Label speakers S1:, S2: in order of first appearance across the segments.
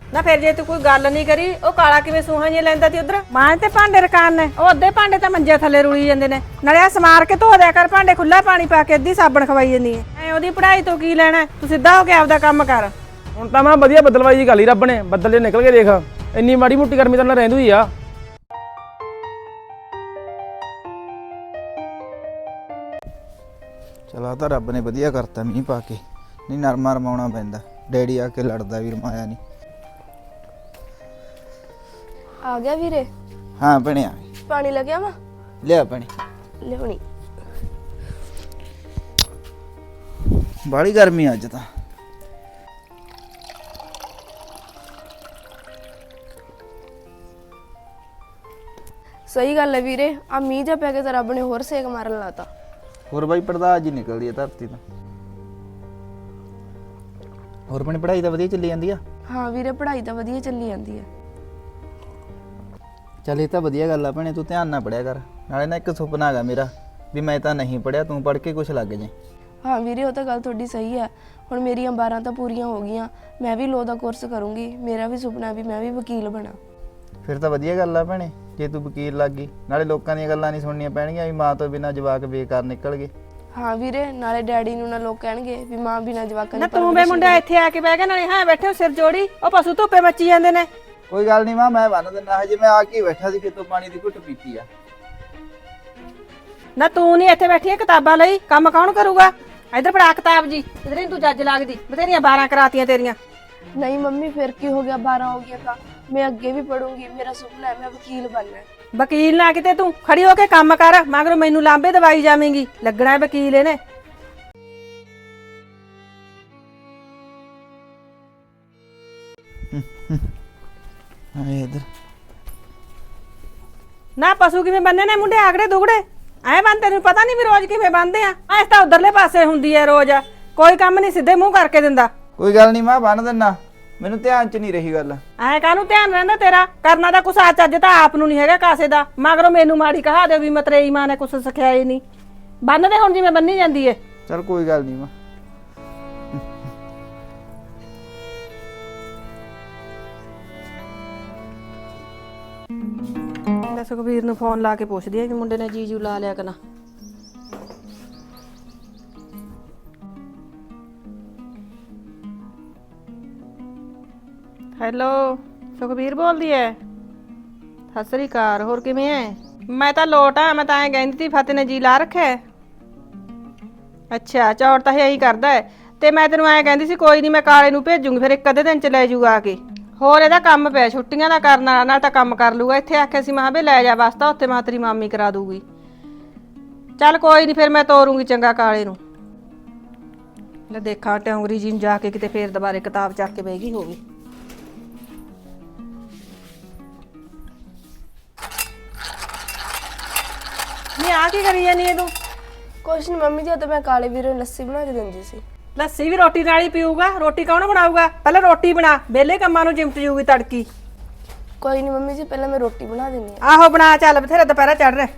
S1: ਨਾ ਫਿਰ ਜੇ ਤੂੰ ਕੋਈ ਗੱਲ ਨਹੀਂ ਕਰੀ ਉਹ ਕਾਲਾ ਕਿਵੇਂ ਸੂਹਾਂ ਜਿਹਾ ਲੈਂਦਾ ਤੀ ਉਧਰ ਮਾਂ ਤੇ ਭਾਂਡੇ ਰਕਾਨ ਨੇ ਉਹ ਅੱਧੇ ਭਾਂਡੇ ਤਾਂ ਮੰਜੇ ਥੱਲੇ ਰੁਲੀ ਜਾਂਦੇ ਨੇ ਨਾਲੇ ਆ ਸਮਾਰ ਕੇ ਧੋ ਦਿਆ ਕਰ ਭਾਂਡੇ ਖੁੱਲਾ ਪਾਣੀ ਪਾ ਕੇ ਅੱਧੀ ਸਾਬਣ ਖਵਾਈ ਜਾਂਦੀ ਐ ਐ ਉਹਦੀ ਪੜ੍ਹਾਈ ਤੋਂ ਕੀ ਲੈਣਾ ਤੂੰ ਸਿੱਧਾ ਹੋ ਕੇ ਆਪਦਾ ਕੰਮ ਕਰ
S2: ਹੁਣ ਤਾਂ ਮੈਂ ਵਧੀਆ ਬੱਦਲਵਾਈ ਜੀ ਗੱਲ ਹੀ ਰੱਬ ਨੇ ਬੱਦਲ ਜੇ ਨਿਕਲ ਕੇ ਦੇਖ ਇੰਨੀ ਮਾੜੀ ਮੋਟੀ ਗਰਮੀ ਤਾਂ ਨਾ ਰਹਿੰਦੀ ਹੀ ਆ।
S3: ਚਲਾ ਤਾਂ ਰੱਬ ਨੇ ਵਧੀਆ ਕਰਤਾ ਮੀਂਹ ਪਾ ਕੇ ਨਹੀਂ ਨਰਮਾ ਰਮਾਉਣਾ ਪੈਂਦਾ ਡੈਡੀ ਆ ਕੇ ਲੜਦਾ ਵੀ ਰਮਾਇਆ ਨਹੀਂ।
S4: ਆ ਗਿਆ ਵੀਰੇ
S3: ਹਾਂ ਬਣਿਆ
S4: ਪਾਣੀ ਲੱਗਿਆ ਵਾ
S3: ਲਿਆ ਪਾਣੀ
S4: ਲਿਆਉਣੀ
S3: ਬਾਹਲੀ ਗਰਮੀ ਅੱਜ ਤਾਂ
S4: ਸਹੀ ਗੱਲ ਹੈ ਵੀਰੇ ਆ ਮੀਂਹ ਜਾ ਪੈ ਕੇ ਤਾਂ ਰੱਬ ਨੇ ਹੋਰ ਸੇਕ ਮਾਰਨ ਲਾਤਾ।
S3: ਹੋਰ ਬਾਈ ਪੜਦਾ ਜੀ ਨਿਕਲਦੀ ਆ ਧਰਤੀ ਤੋਂ। ਹੋਰ ਆਪਣੀ ਪੜ੍ਹਾਈ ਤਾਂ ਵਧੀਆ ਚੱਲੀ ਜਾਂਦੀ ਆ।
S4: ਹਾਂ ਵੀਰੇ ਪੜ੍ਹਾਈ ਤਾਂ ਵਧੀਆ ਚੱਲੀ ਜਾਂਦੀ ਹੈ।
S3: ਚੱਲ ਇਹ ਤਾਂ ਵਧੀਆ ਗੱਲ ਆ ਭੈਣੇ ਤੂੰ ਧਿਆਨ ਨਾਲ ਪੜਿਆ ਕਰ ਨਾਲੇ ਨਾ ਇੱਕ ਸੁਪਨਾ ਹੈਗਾ ਮੇਰਾ ਵੀ ਮੈਂ ਤਾਂ ਨਹੀਂ ਪੜਿਆ ਤੂੰ ਪੜ੍ਹ ਕੇ ਕੁਛ ਲੱਗ ਜਾਏ।
S4: ਹਾਂ ਵੀਰੇ ਉਹ ਤਾਂ ਗੱਲ ਤੁਹਾਡੀ ਸਹੀ ਹੈ। ਹੁਣ ਮੇਰੀਆਂ 12 ਤਾਂ ਪੂਰੀਆਂ ਹੋ ਗਈਆਂ ਮੈਂ ਵੀ ਲੋ ਦਾ ਕੋਰਸ ਕਰੂੰਗੀ ਮੇਰਾ ਵੀ ਸੁਪਨਾ ਵੀ ਮੈਂ ਵੀ ਵਕੀਲ ਬਣਾ।
S3: ਫਿਰ ਤਾਂ ਵਧੀਆ ਗੱਲ ਆ ਭੈਣੇ ਜੇ ਤੂੰ ਵਕੀਲ ਲੱਗ ਗਈ ਨਾਲੇ ਲੋਕਾਂ ਦੀਆਂ ਗੱਲਾਂ ਨਹੀਂ ਸੁਣਨੀਆਂ ਪੈਣਗੀਆਂ ਵੀ ਮਾਂ ਤੋਂ ਬਿਨਾਂ ਜਵਾਕ ਬੇਕਾਰ ਨਿਕਲ ਗਏ।
S4: ਹਾਂ ਵੀਰੇ ਨਾਲੇ ਡੈਡੀ ਨੂੰ ਨਾ ਲੋਕ ਕਹਿਣਗੇ ਵੀ ਮਾਂ ਬਿਨਾਂ ਜਵਾਕਾਂ
S1: ਨਾ ਤੂੰ ਬੇ ਮੁੰਡਾ ਇੱਥੇ ਆ ਕੇ ਬਹਿ ਗਿਆ ਨਾਲੇ ਹਾਂ ਬੈਠੇ ਸਿਰ ਜੋੜੀ ਉਹ ਪਸ਼ੂ ਧੁੱਪੇ ਮੱਚੀ ਜਾਂਦੇ ਨੇ।
S3: ਕੋਈ ਗੱਲ ਨਹੀਂ ਮਾਂ ਮੈਂ ਬੰਨ ਦਿੰਦਾ ਹਜੇ ਮੈਂ ਆ ਕੇ ਬੈਠਾ ਸੀ ਕਿਤੋਂ ਪਾਣੀ ਦੀ ਘੁੱਟ ਪੀਤੀ ਆ।
S1: ਨਾ ਤੂੰ ਨਹੀਂ ਇੱਥੇ ਬੈਠੀ ਕਿਤਾਬਾਂ ਲਈ ਕੰਮ ਕੌਣ ਕਰੂਗਾ ਇਧਰ ਫੜਾ ਕਿਤਾਬ ਜੀ ਇਧਰ ਹੀ ਤੂੰ ਜੱਜ ਲੱਗਦੀ ਬਥੇਰੀਆਂ 12 ਕਰਾਤੀਆਂ ਤੇਰੀਆਂ।
S4: ਨਹੀਂ ਮੰਮੀ ਫਿਰ ਕੀ ਹੋ ਗਿਆ 12 ਹੋ ਗਿਆ ਤਾਂ ਮੈਂ ਅੱਗੇ ਵੀ ਪੜੂੰਗੀ ਮੇਰਾ ਸੁਪਨਾ ਹੈ ਮੈਂ ਵਕੀਲ ਬਣਨਾ।
S1: ਵਕੀਲ ਨਾ ਕਿਤੇ ਤੂੰ ਖੜੀ ਹੋ ਕੇ ਕੰਮ ਕਰ ਮਗਰ ਮੈਨੂੰ ਲਾਂਬੇ ਦਵਾਈ ਜਾਵੇਂਗੀ ਲੱਗਣਾ ਵਕੀਲ ਇਹਨੇ।
S3: ਆਏ ਇਧਰ
S1: ਨਾ ਪਸ਼ੂ ਕਿਵੇਂ ਬੰਨੇ ਨੇ ਮੁੰਡੇ ਆਗੜੇ ਦੁਗੜੇ ਐ ਬੰਨ ਤੈਨੂੰ ਪਤਾ ਨਹੀਂ ਵੀ ਰੋਜ਼ ਕਿਵੇਂ ਬੰਨਦੇ ਆ ਐਸ ਤਾਂ ਉਧਰਲੇ ਪਾਸੇ ਹੁੰਦੀ ਐ ਰੋਜ਼ ਕੋਈ ਕੰਮ ਨਹੀਂ ਸਿੱਧੇ ਮੂੰਹ ਕਰਕੇ ਦਿੰਦਾ।
S3: ਕੋਈ ਗੱਲ ਨਹੀਂ ਮਾਂ ਬੰਨ ਦਿੰਦਾ ਮੈਨੂੰ ਧਿਆਨ ਚ ਨਹੀਂ ਰਹੀ ਗੱਲ।
S1: ਐ ਕਾਹਨੂੰ ਧਿਆਨ ਰਹਿੰਦਾ ਤੇਰਾ ਕਰਨਾ ਤਾਂ ਕੁਛ ਆ ਚੱਜ ਤਾਂ ਆਪ ਨੂੰ ਨਹੀਂ ਹੈਗਾ ਕਾਸੇ ਦਾ ਮਗਰੋਂ ਮੈਨੂੰ ਮਾੜੀ ਕਹਾ ਦੇ ਵੀ ਮਤਰੇਈ ਮਾਂ ਨੇ ਕੁਛ ਸਿਖਾਇਆ ਨਹੀਂ ਬੰਨਦੇ ਹੁਣ ਜਿਵੇਂ ਬੰਨੀ ਜਾਂਦੀ ਏ।
S3: ਚਲ ਕੋਈ ਗੱਲ ਨਹੀਂ ਮਾਂ।
S1: ਮੈਂ ਸੁਖਬੀਰ ਨੂੰ ਫੋਨ ਲਾ ਕੇ ਪੁੱਛਦੀ ਆ ਕਿ ਮੁੰਡੇ ਨੇ ਜੀਜੂ ਲਾ ਲਿਆ ਕਿ ਨਾ। ਹੈਲੋ ਸੁਖਬੀਰ ਬੋਲਦੀ ਐ ਸਤਿ ਸ੍ਰੀ ਅਕਾਲ ਹੋਰ ਕਿਵੇਂ ਐ? ਮੈਂ ਤਾਂ ਲੋਟ ਆ ਮੈਂ ਤਾਂ ਐਂ ਕਹਿੰਦੀ ਸੀ ਫਤਿਹ ਨੇ ਜੀ ਲਾ ਰੱਖਿਆ। ਅੱਛਾ ਚੌੜ ਤਾਂ ਇਹ ਕਰਦਾ ਹੈ ਤੇ ਮੈਂ ਤੈਨੂੰ ਐਂ ਕਹਿੰਦੀ ਸੀ ਕੋਈ ਨਹੀਂ ਮੈਂ ਕਾਲੇ ਨੂੰ ਭੇਜੂਗੀ ਫਿਰ ਇੱਕ ਅੱਧੇ ਦਿਨ ਚ ਲੈ ਜੂਗਾ ਆ ਕੇ। ਹੋਰ ਇਹਦਾ ਕੰਮ ਪਿਆ ਛੁੱਟੀਆਂ ਦਾ ਕਰਨ ਵਾਲਾ ਨਾਲ ਤਾਂ ਕੰਮ ਕਰ ਲੂਗਾ ਇੱਥੇ ਆਖਿਆ ਸੀ ਮੈਂ ਵੀ ਲੈ ਜਾ ਵਾਸਤਾ ਉੱਥੇ ਮੈਂ ਤੇਰੀ ਮਾਮੀ ਕਰਾ ਦੂਗੀ। ਚੱਲ ਕੋਈ ਨਹੀਂ ਫਿਰ ਮੈਂ ਤੋਰੂੰਗੀ ਚੰਗਾ ਕਾਲੇ ਨੂੰ। ਲੈ ਦੇਖਾਂ ਟੌਂਗਰੀ ਜੀ ਨੂੰ ਜਾ ਕੇ ਕਿਤੇ ਫੇਰ ਦੁਬਾਰੇ ਕਿਤਾਬ ਚੱਕ ਕੇ ਬਹਿ ਗਈ ਹੋਵੇ। ਨਹੀਂ ਆ ਕੀ ਕਰੀ ਜਾਨੀ ਤੂੰ?
S4: ਕੁਛ ਨਹੀਂ ਮੰਮੀ ਜੀ ਤਾਂ ਮੈਂ ਕਾਲੇ ਵੀਰੇ ਨੂੰ ਲੱਸੀ ਬਣਾ ਕੇ ਦਿੰਦੀ ਸੀ।
S1: ਲੱਸੀ ਵੀ ਰੋਟੀ ਨਾਲ ਹੀ ਪੀਊਗਾ ਰੋਟੀ ਕੌਣ ਬਣਾਊਗਾ ਪਹਿਲਾਂ ਰੋਟੀ ਬਣਾ ਵਿਹਲੇ ਕੰਮਾਂ ਨੂੰ ਚਿਮਟ ਜੂਗੀ ਤੜਕੀ।
S4: ਕੋਈ ਨਹੀਂ ਮੰਮੀ ਜੀ ਪਹਿਲਾਂ ਮੈਂ ਰੋਟੀ ਬਣਾ ਦਿੰਦੀ ਆ।
S1: ਆਹੋ ਬਣਾ ਚੱਲ ਬਥੇਰਾ ਦੁਪਹਿਰਾ ਚੜ ਰਿਹਾ।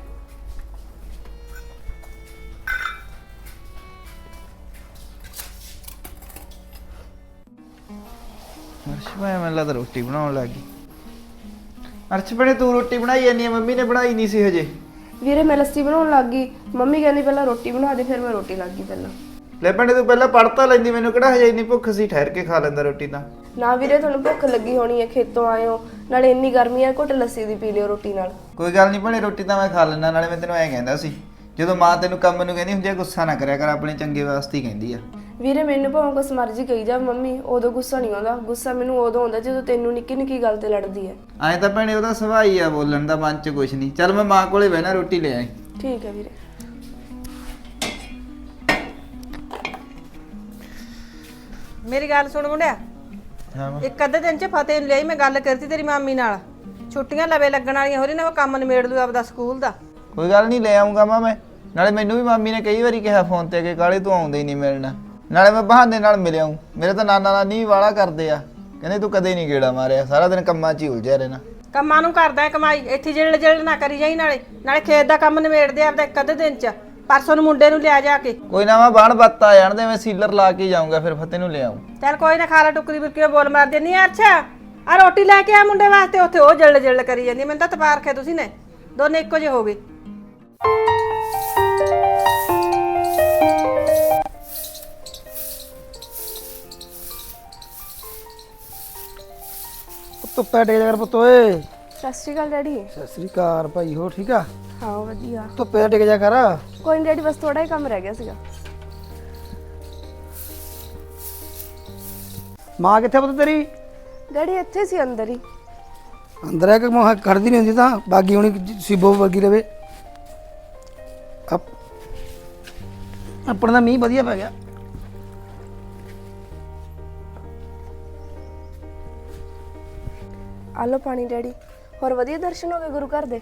S3: ਅਰਸ਼ ਮੈਨੂੰ ਲੱਗਦਾ ਰੋਟੀ ਬਣਾਉਣ ਲੱਗ ਗਈ। ਅਰਸ਼ ਭੈਣੇ ਤੂੰ ਰੋਟੀ ਬਣਾਈ ਜਾਂਦੀ ਆ ਮੰਮੀ ਨੇ ਬਣਾਈ ਨਹੀਂ ਸੀ ਹਜੇ।
S4: ਵੀਰੇ ਮੈਂ ਲੱਸੀ ਬਣਾਉਣ ਲੱਗ ਗਈ ਮੰਮੀ ਕਹਿੰਦੀ ਪਹਿਲਾਂ ਰੋਟੀ ਬਣਾ ਦੇ ਫਿਰ ਮੈਂ ਰੋਟੀ ਲੱਗ ਗਈ ਪਹਿਲਾਂ।
S3: ਲੈ ਭੈਣੇ ਤੂੰ ਪਹਿਲਾਂ ਪੜ੍ਹ ਤਾਂ ਲੈਂਦੀ ਮੈਨੂੰ ਕਿਹੜਾ ਹਜੇ ਇੰਨੀ ਭੁੱਖ ਸੀ ਠਹਿਰ ਕੇ ਖਾ ਲੈਂਦਾ ਰੋਟੀ ਤਾਂ।
S4: ਨਾ ਵੀਰੇ ਤੁਹਾਨੂੰ ਭੁੱਖ ਲੱਗੀ ਹੋਣੀ ਹੈ ਖੇਤੋਂ ਆਏ ਹੋ ਨਾਲੇ ਇੰਨੀ ਗਰਮੀ ਹੈ ਘੁੱਟ ਲੱਸੀ ਦੀ ਪੀ ਲਿਓ ਰੋਟੀ ਨਾਲ।
S3: ਕੋਈ ਗੱਲ ਨਹੀਂ ਭੈਣੇ ਰੋਟੀ ਤਾਂ ਮੈਂ ਖਾ ਲੈਣਾ ਨਾਲੇ ਮੈਂ ਤੈਨੂੰ ਐਂ ਕਹਿੰਦਾ ਸੀ ਜਦੋਂ ਮਾਂ ਤੈਨੂੰ ਕੰਮ ਨੂੰ ਕਹਿੰਦੀ ਹੁੰਦੀ ਆ ਗੁੱਸਾ ਨਾ ਕਰਿਆ ਕਰ ਆਪਣੇ ਚੰਗੇ ਵਾਸਤੇ ਹੀ ਕਹਿੰਦੀ ਆ।
S4: ਵੀਰੇ ਮੈਨੂੰ ਭਾਵੇਂ ਕੁਛ ਮਰਜ਼ੀ ਕਹੀ ਜਾ ਮੰਮੀ ਉਦੋਂ ਗੁੱਸਾ ਨਹੀਂ ਆਉਂਦਾ ਗੁੱਸਾ ਮੈਨੂੰ ਉਦੋਂ ਆਉਂਦਾ ਜਦੋਂ ਤੈਨੂੰ ਨਿੱਕੀ ਨਿੱਕੀ ਗੱਲ ਤੇ ਲੜਦੀ ਹੈ।
S3: ਐਂ ਤਾਂ ਭੈਣੇ ਉਹਦਾ ਸੁਭਾਅ ਹੀ ਆ ਬੋਲਣ ਦਾ ਮਨ 'ਚ ਕੁਛ ਨਹੀਂ। ਚੱਲ ਮੈਂ ਮਾਂ ਕੋਲੇ ਬਹਿਣਾ ਰੋਟੀ ਲੈ ਆਈ।
S4: ਠੀਕ ਹੈ ਵੀਰੇ।
S1: ਮੇਰੀ ਗੱਲ ਸੁਣ ਮੁੰਡਿਆ
S3: ਹਾਂ
S1: ਇੱਕ ਅੱਧੇ ਦਿਨ ਚ ਫਤਿਹ ਨੂੰ ਲਈ ਮੈਂ ਗੱਲ ਕਰਤੀ ਤੇਰੀ ਮਾਮੀ ਨਾਲ ਛੁੱਟੀਆਂ ਲਵੇ ਲੱਗਣ ਵਾਲੀਆਂ ਹੋ ਰਹੀ ਨੇ ਉਹ ਕੰਮ ਨਿਬੇੜ ਲੂ ਆਪਦਾ ਸਕੂਲ ਦਾ।
S3: ਕੋਈ ਗੱਲ ਨਹੀਂ ਲੈ ਆਉਂਗਾ ਮਾਂ ਮੈਂ ਨਾਲੇ ਮੈਨੂੰ ਵੀ ਮਾਮੀ ਨੇ ਕਈ ਵਾਰੀ ਕਿਹਾ ਫੋਨ ਤੇ ਕਿ ਕਾਲੇ ਤੂੰ ਆਉਂਦਾ ਹੀ ਨਹੀਂ ਮਿਲਣਾ ਨਾਲੇ ਮੈਂ ਬਹਾਨੇ ਨਾਲ ਮਿਲ ਆਊਂ। ਮੇਰੇ ਤਾਂ ਨਾਨਾ ਨਾਨੀ ਵੀ ਵਾਲਾ ਕਰਦੇ ਆ ਕਹਿੰਦੇ ਤੂੰ ਕਦੇ ਨਹੀਂ ਗੇੜਾ ਮਾਰਿਆ ਸਾਰਾ ਦਿਨ ਕੰਮਾਂ 'ਚ ਹੀ ਉਲਝਿਆ ਰਹਿਣਾ।
S1: ਕੰਮਾਂ ਨੂੰ ਕਰਦਾ ਕਮਾਈ ਇੱਥੇ ਜਿਹੜੇ ਜਿਹੜੇ ਨਾ ਕਰੀ ਜਾਈ ਨਾਲੇ ਨਾਲੇ ਖੇਤ ਦਾ ਕੰਮ ਨਿਬੇੜਦੇ ਆਪਦਾ ਇੱਕ ਅੱਧੇ ਦਿਨ ਚ ਪਰਸੋਂ ਨੂੰ ਮੁੰਡੇ ਨੂੰ ਲਿਆ ਜਾ ਕੇ।
S3: ਕੋਈ ਨਾ ਮੈਂ ਬਾਣ ਬੱਤ ਆ ਜਾਣਦੇ ਮੈਂ ਸੀਲਰ ਲਾ ਕੇ ਜਾਊਂਗਾ ਫਿਰ ਫਤਿਹ ਨੂੰ ਲੈ ਆਊਂ।
S1: ਚੱਲ ਕੋਈ ਨਾ ਖਾ ਲਾ ਟੁਕਰੀ ਬੁਰਕੀ ਬੋਲ ਮਾਰ ਦੇਣੀ ਆ। ਅੱਛਾ ਆ ਰੋਟੀ ਲੈ ਕੇ ਆ ਮੁੰਡੇ ਵਾਸਤੇ, ਉੱਥੇ ਉਹ ਜਲ ਕਰੀ ਜਾਂਦੀ। ਮੈਨੂੰ ਤਾਂ ਤਪਾ ਰੱਖਿਆ ਤੁਸੀਂ ਨੇ, ਦੋਨੇ ਇੱਕੋ ਜਿਹੇ ਹੋ ਗਏ।
S5: ਧੁੱਪੇ ਟੇਕ ਜਾ ਕਰ ਪੁੱਤ ਓਏ।
S4: ਸਤਿ ਸ਼੍ਰੀ ਅਕਾਲ ਡੈਡੀ।
S5: ਸਤਿ ਸ੍ਰੀ ਅਕਾਲ ਭਾਈ, ਹੋ ਠੀਕ ਆ?
S4: ਹਾਂ ਵਧੀਆ।
S5: ਧੁੱਪੇ ਟੇਕ ਜਾ ਕਰ।
S4: ਕੋਈ ਨਹੀਂ ਡੈਡੀ, ਬਸ ਥੋੜਾ ਹੀ ਕੰਮ ਰਹਿ ਗਿਆ ਸੀਗਾ।
S5: ਮਾਂ ਕਿੱਥੇ ਪੁੱਤ ਤੇਰੀ?
S4: ਡੈਡੀ ਇੱਥੇ ਸੀ ਅੰਦਰ ਹੀ।
S5: ਅੰਦਰ ਹੈ ਕਿ ਮਾਂ ਖੜਦੀ ਨਹੀਂ ਹੁੰਦੀ ਤਾਂ ਬਾਗੀ ਹੋਣੀ ਸਿਬੋ ਵਰਗੀ ਰਵੇ। ਆਪਣਾ ਤਾਂ ਮੀਂਹ ਵਧੀਆ ਪੈ ਗਿਆ।
S4: ਆ ਲਓ ਪਾਣੀ ਡੈਡੀ। ਹੋਰ ਵਧੀਆ ਦਰਸ਼ਨ ਹੋ ਗਏ ਗੁਰੂ ਘਰ ਦੇ?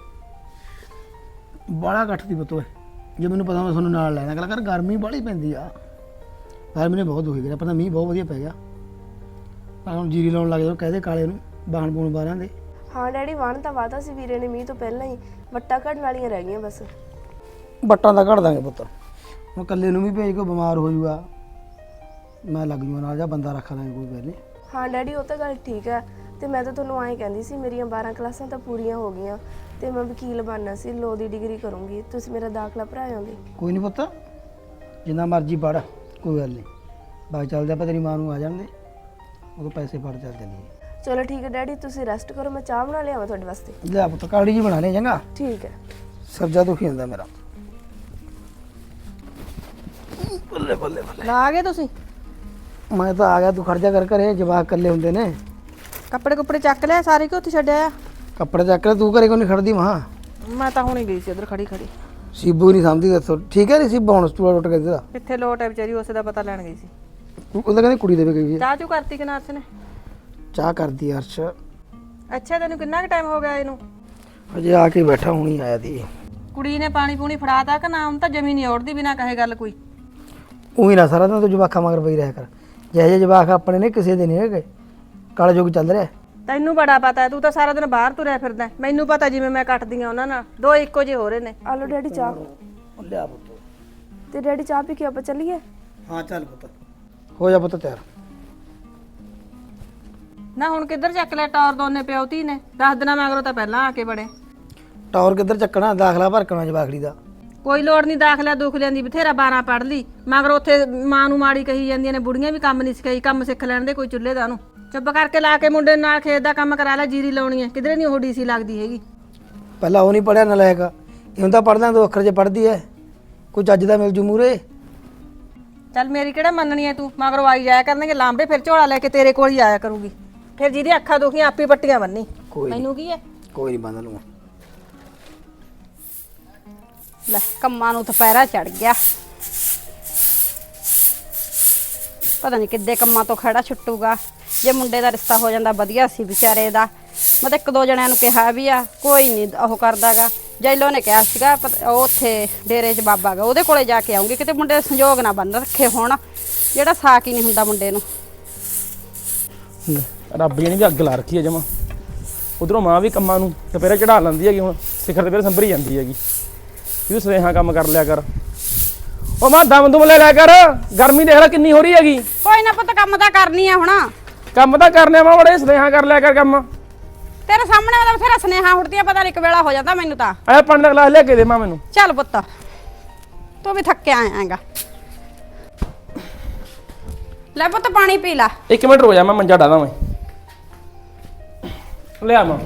S5: ਬਾਲਾ ਘੱਟ ਦੀ ਪੁੱਤ ਓਏ, ਜੇ ਮੈਨੂੰ ਪਤਾ ਮੈਂ ਤੁਹਾਨੂੰ ਨਾਲ ਲੈਣਾ। ਗੱਲ ਕਰ, ਗਰਮੀ ਬਾਹਲੀ ਪੈਂਦੀ ਆ। ਗਰਮੀ ਨੇ ਬਹੁਤ ਦੁਖੀ ਕਰਿਆ। ਪਤਾ ਮੀਂਹ ਬਹੁਤ ਵਧੀਆ ਪੈ ਗਿਆ। ਪਰ ਹੁਣ ਜੀਰੀ ਲਾਉਣ ਲੱਗ ਜਾਓ, ਕਹਦੇ ਕਾਲੇ ਨੂੰ ਬਾਣ ਬੂਣ ਬਾਰਾਂ ਦੇ।
S4: ਹਾਂ ਡੈਡੀ, ਵਾਹਣ ਤਾਂ ਵਾਤਾ ਸੀ ਵੀਰੇ ਨੇ ਮੀਂਹ ਤੋਂ ਪਹਿਲਾਂ ਹੀ। ਵੱਟਾਂ ਘੜਨ ਵਾਲੀਆਂ ਰਹਿ ਗਈਆਂ ਬਸ।
S5: ਬੱਟਾਂ ਦਾ ਘੜ ਦਾਂਗੇ ਪੁੱਤ। ਹੁਣ ਇਕੱਲੇ ਨੂੰ ਵੀ ਭੇਜ ਕੇ ਬਿਮਾਰ ਹੋ ਜਾਊਗਾ, ਮੈਂ ਲੱਗ ਜੂਗਾ ਨਾਲ, ਜਾਂ ਬੰਦਾ ਰੱਖ ਦਾਂਗੇ ਕੋਈ ਗੱਲ ਨਹੀਂ।
S4: ਹਾਂ ਡੈਡੀ, ਉਹ ਤਾਂ ਗੱਲ ਠੀਕ ਹੈ। ਤੇ ਮੈਂ ਤਾਂ ਤੁਹਾਨੂੰ ਐਂ ਕਹਿੰਦੀ ਸੀ, ਮੇਰੀਆਂ 12 ਕਲਾਸਾਂ ਤਾਂ ਪੂਰੀਆਂ ਹੋ ਗਈਆਂ ਤੇ ਮੈਂ ਵਕੀਲ ਬਣਨਾ ਸੀ, ਲੋ ਦੀ ਡਿਗਰੀ ਕਰੂੰਗੀ। ਤੁਸੀਂ ਮੇਰਾ ਦਾਖਲਾ ਭਰਾਇਓਗੇ?
S5: ਕੋਈ ਨਹੀਂ ਪੁੱਤ, ਜਿੰਨਾ ਮਰਜ਼ੀ ਪੜ੍ਹ, ਕੋਈ ਗੱਲ ਨਹੀਂ। ਬਾਈ ਚੱਲਦੇ ਆਪਾਂ, ਤੇਰੀ ਮਾਂ ਨੂੰ ਆ ਜਾਣਦੇ, ਉਹ ਪੈਸੇ ਫੜ ਚੱਲ ਚੱਲੀਏ।
S4: ਚਲੋ ਠੀਕ ਹੈ ਡੈਡੀ, ਤੁਸੀਂ ਰੈਸਟ ਕਰੋ, ਮੈਂ ਚਾਹ ਬਣਾ ਲਿਆਵਾਂ ਤੁਹਾਡੇ ਵਾਸਤੇ?
S5: ਲੈ ਪੁੱਤ, ਕਾੜੀ ਜੀ ਬਣਾ ਲੈ ਚੰਗਾ।
S4: ਠੀਕ ਹੈ।
S5: ਸਰਜਾ ਦੁਖੀ ਹੁੰਦਾ ਮੇਰਾ। ਬੱਲੇ ਬੱਲੇ ਬੱਲੇ।
S1: ਲਾ ਗਏ ਤੁਸੀਂ?
S5: ਮੈਂ ਤਾਂ ਆ ਗਿਆ, ਤੂੰ ਖਰਚਾ ਕਰ ਘਰੇ, ਜਵਾਕ ਇਕੱਲੇ ਹੁੰਦੇ ਨੇ।
S1: ਕੱਪੜੇ ਕੁੱਪੜੇ ਚੱਕ ਲਿਆ ਸਾਰੇ ਕਿ ਉੱਥੇ ਛੱਡਿਆ ਆ?
S5: ਕੱਪੜੇ ਚੱਕ ਲੈ, ਤੂੰ ਘਰੇ ਕੋਈ ਨਹੀਂ ਖੜਦੀ ਮਾਂ।
S1: ਮੈਂ ਤਾਂ ਹੁਣੇ ਗਈ ਸੀ ਉਧਰ ਖੜੀ।
S5: ਸੀਬੂ ਨਹੀਂ ਸਮਝਦੀ, ਦੱਸੋ ਠੀਕ ਹੈ? ਨਹੀਂ ਸੀਬੂ ਹੁਣ ਸਟੂਲ ਟੁੱਟ ਗਿਆ ਇਹਦਾ।
S1: ਕਿੱਥੇ ਲੋਟ ਹੈ ਵਿਚਾਰੀ, ਉਸੇ ਦਾ ਪਤਾ ਲੈਣ ਗਈ ਸੀ।
S5: ਉਹਦਾ ਕਹਿੰਦੀ ਕੁੜੀ ਦੇਵੇ ਗਈ ਹੈ।
S1: ਚਾਹ ਚੂ ਕਰਤੀ ਕਿ ਨਾਰਸ ਨੇ?
S5: ਚਾਹ ਕਰਦੀ ਅਰਸ਼।
S1: ਅੱਛਾ, ਤੈਨੂੰ ਕਿੰਨਾ ਕੁ ਟਾਈਮ ਹੋ ਗਿਆ ਇਹਨੂੰ?
S5: ਅਜੇ ਆ ਕੇ ਬੈਠਾ, ਹੁਣੀ ਆਇਆ ਦੀ।
S1: ਕੁੜੀ ਨੇ ਪਾਣੀ ਪੂਣੀ ਫੜਾਤਾ ਕਿ ਨਾ? ਹੁਣ ਤਾਂ ਜਮੀ ਨਹੀਂ ਔੜਦੀ ਬਿਨਾ ਕਹੇ ਗੱਲ ਕੋਈ।
S5: ਉਹੀ ਨਾ ਸਾਰਾ ਦਿਨ ਤੂੰ ਜਵਾਕਾਂ ਮਗਰ ਪਈ ਰਿਹਾ ਕਰ। ਜਿਹੇ ਜਿਹੇ ਜਵਾਕ ਆਪਣੇ ਨੇ, ਕਿਸੇ ਦੇ ਨਹੀਂ ਹੈਗੇ। ਕਾਲਾ ਯੁੱਗ ਚੱਲ ਰਿਹਾ।
S1: ਤੈਨੂੰ ਬੜਾ ਪਤਾ ਹੈ, ਤੂੰ ਤਾਂ ਸਾਰਾ ਦਿਨ ਬਾਹਰ ਤੁਰਿਆ ਫਿਰਦਾ। ਮੈਨੂੰ ਪਤਾ ਜਿਵੇਂ ਮੈਂ ਕੱਟਦੀ ਆ ਉਹਨਾਂ ਨਾਲ, ਦੋ ਇੱਕੋ ਜਿਹੇ ਹੋ ਰਹੇ ਨੇ।
S4: ਆ ਲਓ ਡੈਡੀ ਚਾਹ।
S5: ਲਿਆ ਪੁੱਤ।
S4: ਤੇ ਡੈਡੀ ਚਾਹ ਪੀ ਕੇ ਆਪਾਂ ਚੱਲੀਏ?
S5: ਹਾਂ ਚੱਲ ਪੁੱਤ, ਹੋ ਜਾ ਪੁੱਤ ਤਿਆਰ।
S1: ਨਾ ਹੁਣ ਕਿੱਧਰ ਚੱਕ ਲਿਆ ਟੌਰ ਦੋਨੇ ਪਿਓ ਧੀ ਨੇ? 10 ਦਿਨਾਂ ਮਗਰੋਂ ਤਾਂ ਪਹਿਲਾਂ ਆ ਕੇ ਬੜੇ।
S5: ਟੌਰ ਕਿੱਧਰ ਚੱਕਣਾ, ਦਾਖਲਾ ਭਰਕਣਾ ਜਵਾਖੜੀ ਦਾ।
S1: ਕੋਈ ਲੋੜ ਨਹੀਂ ਦਾਖਲਿਆ ਦੁੱਖ ਲੈਂਦੀ, ਬਥੇਰਾ 12 ਪੜ੍ਹ ਲਈ ਮਗਰ ਉੱਥੇ ਮਾਂ ਨੂੰ ਮਾੜੀ ਕਹੀ ਜਾਂਦੀਆਂ ਨੇ। ਬੁੜੀਆਂ ਵੀ ਕੰਮ ਨਹੀਂ ਸਿਖਾਈ, ਕੰਮ ਸਿੱਖ ਲੈਣ ਦੇ ਕੋਈ ਚੁੱਲ੍ਹੇ ਦਾ। ਉਹਨੂੰ ਚੁੱਪ ਕਰਕੇ ਲਾ ਕੇ ਮੁੰਡੇ ਨਾਲ ਖੇਤ ਦਾ ਕੰਮ ਕਰਾ ਲੈ, ਜੀਰੀ ਲਾਉਣੀ ਹੈ। ਕਿਧਰੇ ਨਹੀਂ ਉਹ ਡੀਸੀ ਲੱਗਦੀ ਹੈਗੀ।
S5: ਪਹਿਲਾਂ ਉਹ ਨਹੀਂ ਪੜਿਆ ਨਲਾਇਕ, ਇਹ ਹੁੰਦਾ ਪੜ੍ਹਦਾ 2 ਅੱਖਰ 'ਚ ਪੜ੍ਹਦੀ ਐ। ਕੋਈ ਚੱਜ ਦਾ ਮਿਲ ਜੂ ਮੂਰੇ।
S1: ਚੱਲ ਮੇਰੀ ਕਿਹੜਾ ਮੰਨਣੀ ਹੈ ਤੂੰ? ਮਗਰੋਂ ਆਈ ਜਾਇਆ ਕਰਨਗੇ ਲਾਂਬੇ, ਫਿਰ ਝੋਲਾ ਲੈ ਕੇ ਤੇਰੇ ਕੋਲ ਹੀ ਆਇਆ ਕਰੂਗੀ। ਫਿਰ ਜਿਹਦੀ ਅੱਖਾਂ ਦੁਖੀਆਂ ਆਪੇ ਪੱਟੀਆਂ ਬੰਨੀ। ਮੈਨੂੰ ਕੀ ਹੈ?
S5: ਕੋਈ ਨਹੀਂ ਬੰਦ ਲੂੰ।
S6: ਲੈ ਕੰਮਾਂ ਨੂੰ ਦੁਪਹਿਰਾ ਚੜ ਗਿਆ, ਪਤਾ ਨਹੀਂ ਕਿੱਦੇ ਕੰਮਾਂ ਤੋਂ ਖੜਾ ਛੁੱਟੂਗਾ। ਜੇ ਮੁੰਡੇ ਦਾ ਰਿਸ਼ਤਾ ਹੋ ਜਾਂਦਾ ਵਧੀਆ ਸੀ ਵਿਚਾਰੇ ਦਾ। ਮੈਂ ਤਾਂ 1-2 ਜਣਿਆਂ ਨੂੰ ਕਿਹਾ ਵੀ ਆ, ਕੋਈ ਨਹੀਂ ਉਹ ਕਰਦਾਗਾ। ਜੈਲੋ ਨੇ ਕਿਹਾ ਸੀਗਾ ਉਹ ਉੱਥੇ ਡੇਰੇ 'ਚ ਬਾਬਾ ਗਾ, ਉਹਦੇ ਕੋਲੇ ਜਾ ਕੇ ਆਉਂਗੀ। ਕਿਤੇ ਮੁੰਡੇ ਦੇ ਸੰਜੋਗ ਨਾ ਬੰਨ ਰੱਖੇ ਹੋਣ, ਜਿਹੜਾ ਸਾਕ ਹੀ ਨਹੀਂ ਹੁੰਦਾ ਮੁੰਡੇ ਨੂੰ।
S2: ਰੱਬ ਜੀ ਨੇ ਵੀ ਅੱਗ ਲਾ ਰੱਖੀ ਹੈ ਜਮਾ। ਉਧਰੋਂ ਮਾਂ ਵੀ ਕੰਮਾਂ ਨੂੰ ਦੁਪਹਿਰੇ ਚੜਾ ਲੈਂਦੀ ਹੈਗੀ, ਹੁਣ ਸਿਖਰ ਦੁਪਹਿਰੇ ਸੰਭਰੀ ਜਾਂਦੀ ਹੈਗੀ। ਤੂੰ ਸੁਨੇਹਾ ਕੰਮ ਕਰ ਲਿਆ ਕਰ। ਉਹ ਮਾਂ ਦਮ ਦੁਮ ਲੈ ਲਿਆ ਕਰ, ਗਰਮੀ ਦੇਖ ਲੈ ਕਿੰਨੀ ਹੋ ਰਹੀ ਹੈਗੀ।
S6: ਕੋਈ ਨਾ ਪੁੱਤ, ਕੰਮ ਤਾਂ ਕਰਨੀ ਆ ਹੁਣ।
S2: ਕੰਮ ਤਾਂ ਕਰਨੇ ਮਾਂ, ਬੜੇ ਸੁਨੇਹਾ ਕਰ ਲਿਆ ਕਰ ਕੰਮ।
S6: ਤੇਰੇ ਸਾਹਮਣੇ ਉਹਦਾ ਬਥੇਰਾ ਸੁਨੇਹਾ ਉੱਠਦੀਆਂ, ਪਤਾ ਨਹੀਂ ਇੱਕ ਵੇਲਾ ਹੋ ਜਾਂਦਾ ਮੈਨੂੰ ਤਾਂ।
S2: ਆਇਆ ਪਾਣੀ ਦਾ ਗਲਾਸ ਲਿਆ ਕੇ ਦੇ ਮਾਂ ਮੈਨੂੰ।
S6: ਚੱਲ ਪੁੱਤ, ਤੂੰ ਵੀ ਥੱਕਿਆ ਆਏਗਾ। ਲੈ ਪੁੱਤ ਪਾਣੀ ਪੀ ਲਾ।
S2: 1 ਮਿੰਟ ਰੋ ਜਾ, ਮੈਂ ਮੰਜਾ ਡਾਦਾ ਮੈਂ ਲਿਆ ਮਾਂ।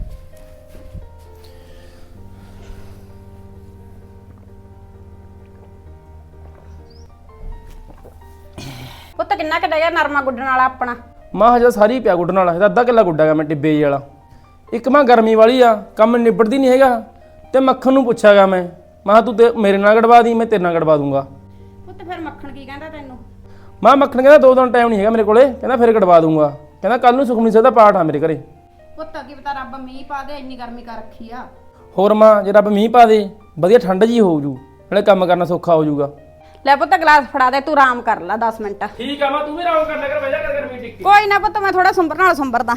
S6: ਪੁੱਤ ਕਿੰਨਾ ਕੁ ਡਿਆ ਨਰਮਾ ਗੁੱਡਣ ਵਾਲਾ ਆਪਣਾ?
S2: ਮਾਂ ਹਜੇ ਸਾਰੀ ਪਿਆ ਗੁੱਡਣ ਵਾਲਾ, ਇਹਦਾ ਅੱਧਾ ਕਿੱਲਾ ਗੁੱਡਾ ਗਾ ਮੈਂ ਟਿੱਬੇ ਜਿਹੇ ਵਾਲਾ। ਇੱਕ ਮਾਂ ਗਰਮੀ ਵਾਲੀ ਆ, ਕੰਮ ਨਿਬੜਦੀ ਨਹੀਂ ਹੈਗਾ। ਤੇ ਮੱਖਣ ਨੂੰ ਪੁੱਛਾਗਾ ਮੈਂ ਤੂੰ ਤੇ ਮੇਰੇ ਨਾਲ ਗੜਵਾ ਦੀ, ਮੈਂ ਤੇਰੇ ਨਾਲ ਗੜਵਾ ਦੂੰਗਾ।
S6: ਪੁੱਤ ਫਿਰ ਮੱਖਣ ਕੀ ਕਹਿੰਦਾ ਤੈਨੂੰ?
S2: ਮਾਂ ਮੱਖਣ ਕਹਿੰਦਾ 2 ਦਿਨ ਟਾਈਮ ਨਹੀਂ ਹੈਗਾ ਮੇਰੇ ਕੋਲੇ, ਕਹਿੰਦਾ ਫਿਰ ਗੜਵਾ ਦੂੰਗਾ। ਕਹਿੰਦਾ ਕੱਲ ਨੂੰ ਸੁਖਮਨੀ ਸਾਹਿਬ ਦਾ ਪਾਠ ਆ ਮੇਰੇ ਘਰੇ।
S6: ਪੁੱਤ ਕੀ ਪਤਾ ਰੱਬ ਮੀਂਹ ਪਾ ਦੇ, ਇੰਨੀ ਗਰਮੀ ਕਰ ਰੱਖੀ ਆ।
S2: ਹੋਰ ਮਾਂ ਜੇ ਰੱਬ ਮੀਂਹ ਪਾ ਦੇ, ਵਧੀਆ ਠੰਡ ਜੀ ਹੋ ਜੂ, ਨਾਲੇ ਕੰਮ ਕਰਨਾ ਸੌਖਾ ਹੋ ਜੂਗਾ।
S6: ਲੈ ਪੁੱਤ ਗਲਾਸ ਫੜਾ ਦੇ, ਤੂੰ ਆਰਾਮ ਕਰ ਲੈ 10 ਮਿੰਟ।
S2: ਠੀਕ ਆ ਮਾਂ, ਤੂੰ ਵੀ ਆਰਾਮ ਕਰ ਲੈ ਕਰ, ਬਹਿ ਜਾ ਕਰ ਗਰਮੀ ਟਿੱਕੀ।
S6: ਕੋਈ ਨਾ ਪੁੱਤ, ਮੈਂ ਥੋੜਾ ਸੰਭਰ ਨਾਲ ਸੰਭਰਦਾ।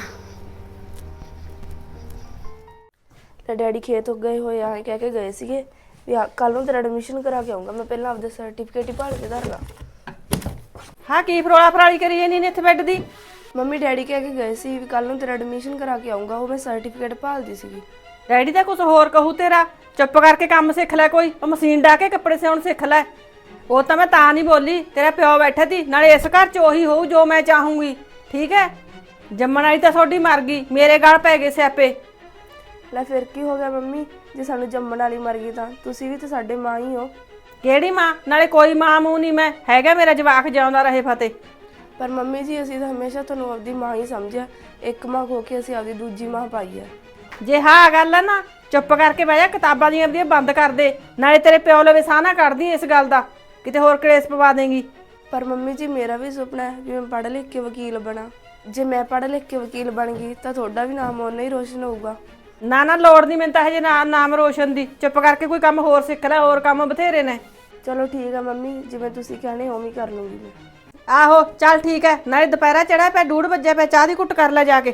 S4: ਤੇ ਡੈਡੀ ਖੇਤ ਗਏ ਹੋਏ ਆ, ਕਹਿ ਕੇ ਗਏ ਸੀਗੇ ਵੀ ਕੱਲ ਨੂੰ ਤੇਰਾ ਐਡਮਿਸ਼ਨ ਕਰਾ ਕੇ ਆਉਂਗਾ। ਮੈਂ ਪਹਿਲਾਂ ਆਪਦੇ ਸਰਟੀਫਿਕੇਟ ਹੀ ਭਾਲ ਕੇ ਧਰਨਾ।
S1: ਹਾਂ ਕੀ ਫਰੋਲਾ ਫਰਾਲੀ ਕਰੀ ਜਾਂਦੀ ਨੇ ਇੱਥੇ ਬੈੱਡ ਦੀ?
S4: ਮੰਮੀ ਡੈਡੀ ਕਹਿ ਕੇ ਗਏ ਸੀ ਵੀ ਕੱਲ ਨੂੰ ਤੇਰਾ ਐਡਮਿਸ਼ਨ ਕਰਾ ਕੇ ਆਉਂਗਾ, ਉਹ ਮੈਂ ਸਰਟੀਫਿਕੇਟ ਭਾਲਦੀ ਸੀਗੀ।
S1: ਡੈਡੀ ਤਾਂ ਕੁਝ ਹੋਰ ਕਹੂ ਤੇਰਾ, ਚੁੱਪ ਕਰਕੇ ਕੰਮ ਸਿੱਖ ਲੈ, ਕੋਈ ਉਹ ਮਸ਼ੀਨ ਡਾ ਕੇ ਕੱਪੜੇ ਸਿਉਣ ਸਿੱਖ ਲੈ। ਉਹ ਤਾਂ ਮੈਂ ਤਾਂ ਨਹੀਂ ਬੋਲੀ, ਤੇਰਾ ਪਿਓ ਬੈਠਾ ਸੀ, ਨਾਲੇ ਇਸ ਘਰ 'ਚ ਉਹੀ ਹੋਊ ਜੋ ਮੈਂ ਚਾਹੂੰਗੀ, ਠੀਕ ਹੈ। ਜੰਮਣ ਵਾਲੀ ਤਾਂ ਤੁਹਾਡੀ ਮਰ ਗਈ, ਮੇਰੇ ਗਲ ਪੈ ਗਏ ਸਿਆਪੇ।
S4: ਲੈ ਫਿਰ ਕੀ ਹੋ ਗਿਆ ਮੰਮੀ, ਜੇ ਸਾਨੂੰ ਜੰਮਣ ਵਾਲੀ ਮਰ ਗਈ ਤਾਂ ਤੁਸੀਂ ਵੀ ਤਾਂ ਸਾਡੇ ਮਾਂ ਹੀ ਹੋ।
S1: ਕਿਹੜੀ ਮਾਂ? ਨਾਲੇ ਕੋਈ ਮਾਂ ਮੂੰਹ ਨਹੀਂ ਮੈਂ, ਹੈਗਾ ਮੇਰਾ ਜਵਾਕ ਜਿਉਂਦਾ ਰਹੇ ਫਤਿਹ।
S4: ਪਰ ਮੰਮੀ ਜੀ ਅਸੀਂ ਤਾਂ ਹਮੇਸ਼ਾ ਤੁਹਾਨੂੰ ਆਪਦੀ ਮਾਂ ਹੀ ਸਮਝਿਆ, ਇੱਕ ਮਾਂ ਹੋ ਕੇ ਅਸੀਂ ਆਪਦੀ ਦੂਜੀ ਮਾਂ ਪਾਈ ਹੈ।
S1: ਜੇ ਹਾਂ ਗੱਲ ਹੈ ਨਾ, ਚੁੱਪ ਕਰਕੇ ਬਹਿ ਜਾ, ਕਿਤਾਬਾਂ ਦੀਆਂ ਆਪਦੀਆਂ ਬੰਦ ਕਰ ਦੇ, ਨਾਲੇ ਤੇਰੇ ਪਿਓ ਲਵੇ ਸਾਹ ਨਾ ਕੱਢਦੀ ਇਸ ਗੱਲ ਦਾ, ਕਿਤੇ ਹੋਰ ਕਲੇਸ਼ ਪਵਾ ਦੇਂਗੀ।
S4: ਪਰ ਮੰਮੀ ਜੀ ਮੇਰਾ ਵੀ ਸੁਪਨਾ ਹੈ ਵੀ ਮੈਂ ਪੜ੍ਹ ਲਿਖ ਕੇ ਵਕੀਲ ਬਣਾ। ਜੇ ਮੈਂ ਪੜ੍ਹ ਲਿਖ ਕੇ ਵਕੀਲ ਬਣ ਗਈ ਤਾਂ ਤੁਹਾਡਾ ਵੀ ਨਾਮ ਓਨਾ ਹੀ ਰੋਸ਼ਨ ਹੋਊਗਾ।
S1: ਨਾ ਨਾ ਲੋੜ ਨਹੀਂ ਮੈਨੂੰ ਤਾਂ ਹਜੇ ਨਾਮ ਰੋਸ਼ਨ ਦੀ, ਚੁੱਪ ਕਰਕੇ ਕੋਈ ਕੰਮ ਹੋਰ ਸਿੱਖ ਲੈ, ਹੋਰ ਕੰਮ ਬਥੇਰੇ ਨੇ।
S4: ਚਲੋ ਠੀਕ ਹੈ ਮੰਮੀ, ਜਿਵੇਂ ਤੁਸੀਂ ਕਹਿਣੇ ਉਵੇਂ ਹੀ ਕਰ ਲੂੰਗੀ ਮੈਂ।
S1: ਆਹੋ ਚੱਲ ਠੀਕ ਹੈ, ਨਾਲੇ ਦੁਪਹਿਰਾ ਚੜਿਆ ਪਿਆ, 2:30 ਵਜੇ ਪਿਆ, ਚਾਹ ਦੀ ਘੁੱਟ ਕਰ ਲੈ ਜਾ ਕੇ।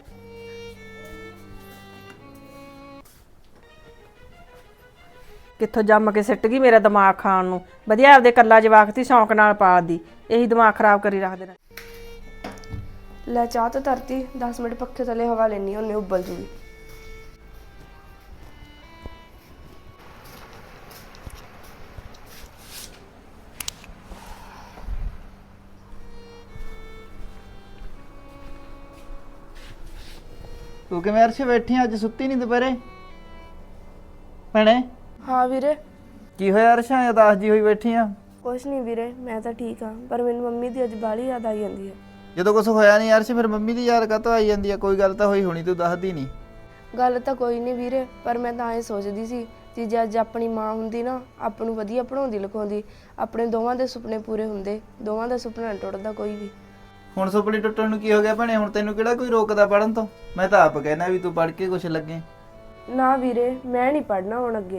S1: ਕਿੱਥੋਂ ਜੰਮ ਕੇ ਸਿੱਟ ਗਈ ਮੇਰਾ ਦਿਮਾਗ ਖਾਣ ਨੂੰ, ਵਧੀਆ ਆਪਦੇ ਕੱਲਾ ਜਵਾਕ ਤੀ ਸ਼ੌਂਕ ਨਾਲ ਪਾਲਦੀ, ਇਹੀ ਦਿਮਾਗ ਖਰਾਬ ਕਰੀ ਰੱਖਦੇ ਨੇ।
S4: ਲੈ ਚਾਹ ਤਾਂ ਧਰਤੀ, 10 ਮਿੰਟ ਪੱਖੇ ਥੱਲੇ ਹਵਾ ਲੈਣੀ, ਉਹਨੇ ਉੱਬਲ ਜੂਗੀ।
S3: ਤੂੰ ਕਿਵੇਂ ਅਰਸ਼ ਬੈਠੀ ਅੱਜ, ਸੁੱਤੀ ਨਹੀਂ ਦੁਪਹਿਰੇ ਭੈਣੇ?
S4: ਹਾਂ ਵੀਰੇ।
S3: ਕੀ ਹੋਇਆ ਅਰਸ਼ਾਂ, ਉਦਾਸ ਜੀ ਹੋਈ ਬੈਠੀ ਆ?
S4: ਕੁਛ ਨਹੀਂ ਵੀਰੇ, ਮੈਂ ਤਾਂ ਠੀਕ ਹਾਂ, ਪਰ ਮੈਨੂੰ ਮੰਮੀ ਦੀ ਅੱਜ ਬਾਹਲੀ ਯਾਦ ਆਈ ਜਾਂਦੀ ਹੈ।
S3: ਜਦੋਂ ਕੁਝ ਹੋਇਆ ਨਹੀਂ ਅਰਸ਼, ਫਿਰ ਮੰਮੀ ਦੀ ਯਾਦ ਕਾਹਤੋਂ ਆਈ ਜਾਂਦੀ ਆ? ਕੋਈ ਗੱਲ ਤਾਂ ਹੋਈ ਹੋਣੀ, ਤੂੰ ਦੱਸਦੀ ਨਹੀਂ।
S4: ਗੱਲ ਤਾਂ ਕੋਈ ਨਹੀਂ ਵੀਰੇ, ਪਰ ਮੈਂ ਤਾਂ ਇਹ ਸੋਚਦੀ ਸੀ ਕਿ ਜੇ ਅੱਜ ਆਪਣੀ ਮਾਂ ਹੁੰਦੀ ਨਾ, ਆਪ ਨੂੰ ਵਧੀਆ ਪੜ੍ਹਾਉਂਦੀ ਲਿਖਾਉਂਦੀ, ਆਪਣੇ ਦੋਵਾਂ ਦੇ ਸੁਪਨੇ ਪੂਰੇ ਹੁੰਦੇ। ਦੋਵਾਂ ਦਾ ਸੁਪਨਾ ਨਹੀਂ ਟੁੱਟਦਾ ਕੋਈ ਵੀ।
S3: ਹੁਣ ਸੁਪਨੇ ਟੁੱਟਣ ਨੂੰ ਕੀ ਹੋ ਗਿਆ ਭੈਣੇ? ਹੁਣ ਤੈਨੂੰ ਕਿਹੜਾ ਕੋਈ ਰੋਕਦਾ ਪੜਨ ਤੋਂ? ਮੈਂ ਤਾਂ ਆਪ ਕਹਿਣਾ ਵੀ ਤੂੰ ਪੜ੍ਹ ਕੇ ਕੁਛ ਲੱਗੇ।
S4: ਨਾ ਵੀਰੇ, ਮੈਂ ਨਹੀਂ ਪੜ੍ਹਨਾ ਹੁਣ ਅੱਗੇ।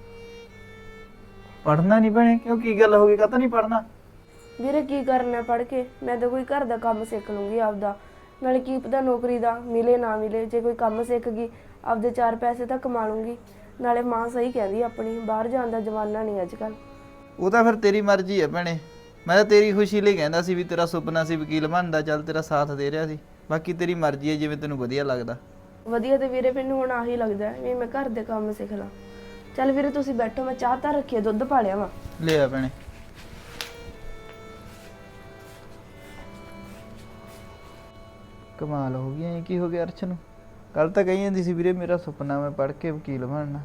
S3: ਪੜ੍ਹਨਾ ਨਹੀਂ ਭੈਣੇ? ਕਿਉਂ, ਕੀ ਗੱਲ ਹੋ ਗਈ, ਕਾਹਤੋਂ ਨਹੀਂ ਪੜ੍ਹਨਾ?
S4: ਵੀਰੇ ਕੀ ਕਰਨਾ ਪੜ੍ਹ ਕੇ, ਮੈਂ ਤਾਂ ਕੋਈ ਘਰ ਦਾ ਕੰਮ ਸਿੱਖ ਲੂੰਗੀ ਆਪਦਾ, ਨਾਲੇ ਕੀ ਪਤਾ ਨੌਕਰੀ ਦਾ ਮਿਲੇ ਨਾ ਮਿਲੇ। ਜੇ ਕੋਈ ਕੰਮ ਸਿੱਖ ਗਈ, ਆਪਦੇ 4 ਪੈਸੇ ਤਾਂ ਕਮਾ ਲੂੰਗੀ। ਨਾਲੇ ਮਾਂ ਸਹੀ ਕਹਿੰਦੀ ਆਪਣੀ, ਬਾਹਰ ਜਾਣ ਦਾ ਜ਼ਮਾਨਾ ਨਹੀਂ ਅੱਜ ਕੱਲ੍ਹ।
S3: ਉਹ ਤਾਂ ਫਿਰ ਤੇਰੀ ਮਰਜ਼ੀ ਹੈ ਭੈਣੇ, ਮੈਂ ਤਾਂ ਤੇਰੀ ਖੁਸ਼ੀ ਲਈ ਕਹਿੰਦਾ ਸੀ ਵੀ ਤੇਰਾ ਸੁਪਨਾ ਸੀ ਵਕੀਲ ਬਣਦਾ, ਚੱਲ ਤੇਰਾ ਸਾਥ ਦੇ ਰਿਹਾ ਸੀ। ਬਾਕੀ ਤੇਰੀ ਮਰਜ਼ੀ ਹੈ, ਜਿਵੇਂ ਤੈਨੂੰ ਵਧੀਆ ਲੱਗਦਾ।
S4: ਵਧੀਆ ਤੇ ਵੀਰੇ ਮੈਨੂੰ ਹੁਣ ਆਹੀ ਲੱਗਦਾ ਵੀ ਮੈਂ ਘਰ ਦੇ ਕੰਮ ਸਿੱਖ ਲਾਂ। ਚੱਲ ਵੀਰੇ ਤੁਸੀਂ ਬੈਠੋ, ਮੈਂ ਚਾਹ ਤਾਂ ਰੱਖੀ, ਦੁੱਧ ਪਾ ਲਿਆ ਵਾ।
S3: ਲੈ ਆ ਭੈਣੇ। ਕਮਾਲ ਹੋ ਗਈ, ਐ ਕੀ ਹੋ ਗਿਆ ਅਰਸ਼ ਨੂੰ? ਕੱਲ ਤਾਂ ਕਹੀ ਜਾਂਦੀ ਸੀ ਵੀਰੇ ਮੇਰਾ ਸੁਪਨਾ ਮੈਂ ਪੜ੍ਹ ਕੇ ਵਕੀਲ ਬਣਨਾ।